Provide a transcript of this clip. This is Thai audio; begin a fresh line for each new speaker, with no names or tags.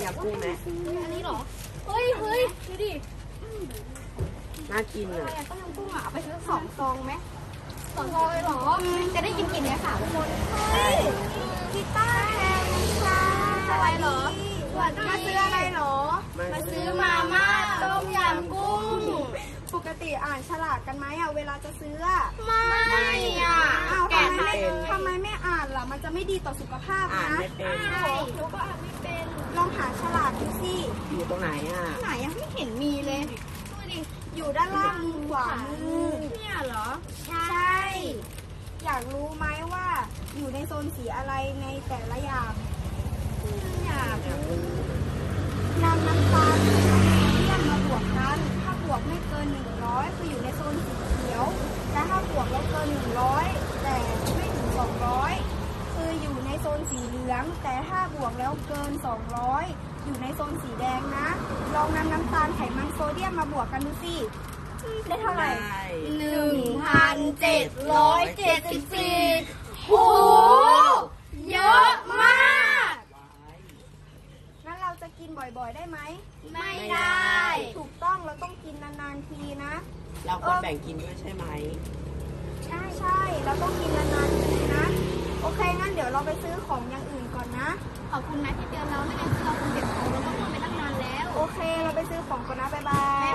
ยำกุ้งไหม
อันนี้เหรอเฮ้ยดูดิ
น่ากิน
อะไร
อ่ะ
อะต้มยำกุ้งอะเอาไปซื้อ2 ซองไหม2 ซองเลยเหรอจะได้กินเนี่ยค่ะทุกคนเฮ้ยกีตาร์แฮมค่ะอะไรเหรอมาซื้ออะไรเหรอมาซื้อมาม่าต้มยำกุ้งปกติอ่านฉลากกันไหมอ่ะเวลาจะซื้อไม่อ่ะอ้าวทำไมไม่อ่านล่ะมันจะไม่ดีต่อสุขภาพ
อ่าน
นะ
ไม่เป็น
หนูก็อ่านไม่เป็นลองหาฉลากดูสิ
อยู่ตรงไหนอ่ะ
ไหนยังไม่เห็นมีเลยดูดิอยู่ด้านล่างมือขวามือเนี่ยเหรอใช่อยากรู้ไหมว่าอยู่ในโซนสีอะไรในแต่ละอย่างอยากรู้นำน้ำตาลกับโซเดียมมาบวกกันถ้าบวกไม่เกิน100คืออยู่ในโซนสีเขียวและถ้าบวกแล้วเกิน100แต่ไม่ถึง200คืออยู่ในโซนสีเหลือง แต่ถ้าบวกแล้วเกิน200อยู่ในโซนสีแดงนะลองนำน้ำตาลไขมันโซเดียมมาบวกกันดูสิได้เท่าไหร่1,774โหเยอะมากงั้นเราจะกินบ่อยๆได้ไหมไม่ได้ถูกต้องเราต้องกินนานๆทีนะ
เราควรแบ่งกินด้วยใช่ไหม
ใช่เราต้องกินนานๆทีนะโอเคงั้นเดี๋ยวเราไปซื้อของอย่างอื่นก่อนนะขอบคุณนะที่เตือนเราไม่งั้นเราคงเก็บของเราต้องทำไปตั้งนานแล้วโอเคเราไปซื้อของก่อนนะบ๊ายบาย